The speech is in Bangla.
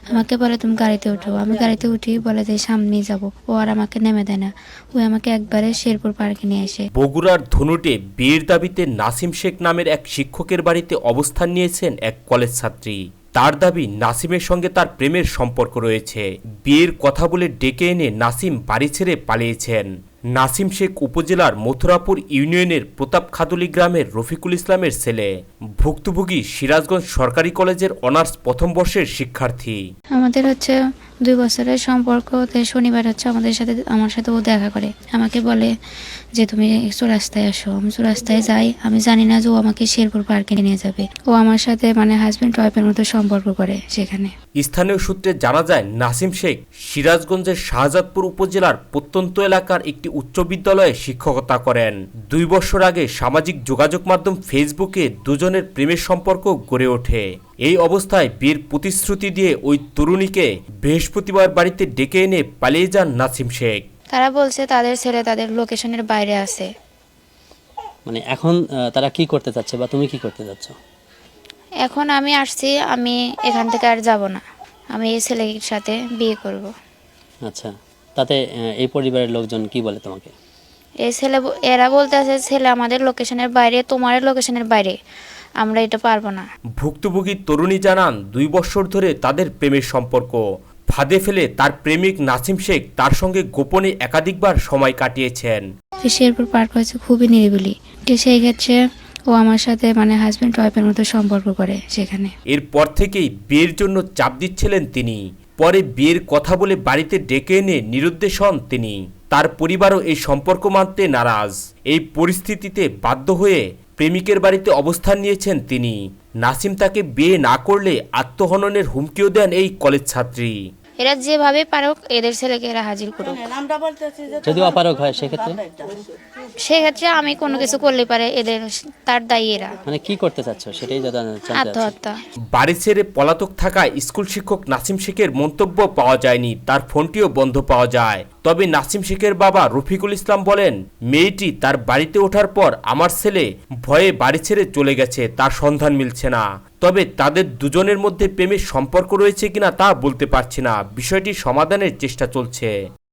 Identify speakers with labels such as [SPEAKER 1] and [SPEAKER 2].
[SPEAKER 1] আমাকে বলে তুমি গাড়িতে ওঠো। আমি গাড়িতে উঠি, বলে যে সামনেই যাব। ও আর আমাকে নেমে দেয় না, ও আমাকে একবারে শেরপুর পার্কে নিয়ে আসে।
[SPEAKER 2] বগুড়ার ধনুটে বিয়ের দাবিতে নাসিম শেখ নামের এক শিক্ষকের বাড়িতে অবস্থান নিয়েছেন এক কলেজ ছাত্রী। তার দাবি নাসিমের সঙ্গে তার প্রেমের সম্পর্ক রয়েছে। বিয়ের কথা বলে ডেকে এনে নাসিম বাড়ি ছেড়ে পালিয়েছেন। নাসিম শেখ উপজেলার মথুরাপুর ইউনিয়নের প্রতাপখাদুলি গ্রামের রফিকুল ইসলামের ছেলে। ভুক্তভোগী সিরাজগঞ্জ সরকারি কলেজের অনার্স প্রথম বর্ষের শিক্ষার্থী।
[SPEAKER 1] আমাদের 2 বছরের সম্পর্ক। শনিবার আমার সাথে ও দেখা করে, আমাকে বলে যে তুমি চৌরাস্তায় আসো। আমি চৌরাস্তায় যাই, আমি জানি না যে ও আমাকে শেরপুর পার্কে নিয়ে যাবে। ও আমার সাথে হাজবেন্ড ওয়াইফের মতো সম্পর্ক করে সেখানে।
[SPEAKER 2] স্থানীয় সূত্রে জানা যায়, নাসিম শেখ সিরাজগঞ্জের শাহজাদপুর উপজেলার প্রত্যন্ত এলাকার একটি উচ্চ বিদ্যালয়ে শিক্ষকতা করেন। 2 বছর আগে সামাজিক যোগাযোগ মাধ্যম ফেসবুকে দুজনের প্রেমের সম্পর্ক গড়ে ওঠে। এই অবস্থায় বিয়ের প্রতিশ্রুতি দিয়ে ওই তরুণীকে বৃহস্পতিবার বাড়িতে ডেকে এনে পালিয়ে যান নাসিম শেখ।
[SPEAKER 1] তারা বলছে তাদের ছেলে তাদের লোকেশনের বাইরে আছে।
[SPEAKER 3] মানে এখন তারা কি করতে চাচ্ছে বা তুমি কি করতে চাচ্ছ?
[SPEAKER 1] এখন আমি আসছি, আমি এখান থেকে আর যাব না। আমি এই ছেলের সাথে বিয়ে করব।
[SPEAKER 3] আচ্ছা, তাতে এই পরিবারের লোকজন কি বলে তোমাকে?
[SPEAKER 1] এরা বলতে আছে ছেলে আমাদের লোকেশনের বাইরে, তোমার লোকেশনের বাইরে, আমরা এটা পারবো না।
[SPEAKER 2] ভুক্তভোগী তরুণী জানান, 2 বছর ধরে তাদের প্রেমের সম্পর্ক। ফাঁদে ফেলে তার প্রেমিক নাসিম শেখ তার সঙ্গে গোপনে একাধিকবার সময় কাটিয়েছেন।
[SPEAKER 1] শেরপুর পার্ক হচ্ছে খুবই নিরিবিলি, সেই ক্ষেত্রে ও আমার সাথে হাজবেন্ড ওয়াইফের মতো সম্পর্ক করে সেখানে।
[SPEAKER 2] এরপর থেকেই বিয়ের জন্য চাপ দিচ্ছিলেন তিনি। পরে বিয়ের কথা বলে বাড়িতে ডেকে এনে নিরুদ্দেশ হন তিনি। তার পরিবারও এই সম্পর্ক মানতে নারাজ। এই পরিস্থিতিতে বাধ্য হয়ে প্রেমিকের বাড়িতে অবস্থান নিয়েছেন তিনি। নাসিম তাকে বিয়ে না করলে আত্মহননের হুমকিও দেন এই কলেজ ছাত্রী।
[SPEAKER 1] এরা যেভাবে পারুক এদের ছেলেকে এরা হাজির করুক।
[SPEAKER 3] যদি অপারগ হয়
[SPEAKER 1] সেক্ষেত্রে আমি কোনো কিছু করলে পারে এদের, তার দায়ী এরা।
[SPEAKER 3] মানে কি করতে চাচ্ছ সেটাই জানতে চাচ্ছি।
[SPEAKER 1] আত্মহত্যা।
[SPEAKER 2] বাড়ি ছেড়ে পলাতক থাকায় স্কুল শিক্ষক নাসিম শেখের মন্তব্য পাওয়া যায়নি, তার ফোনটিও বন্ধ পাওয়া যায়। তবে নাসিম শেখের বাবা রফিকুল ইসলাম বলেন, মেয়েটি তার বাড়িতে ওঠার পর আমার ছেলে ভয়ে বাড়ি ছেড়ে চলে গেছে, তার সন্ধান মিলছে না। তবে তাদের দুজনের মধ্যে প্রেমের সম্পর্ক রয়েছে কিনা তা বলতে পারছি না। বিষয়টি সমাধানের চেষ্টা চলছে।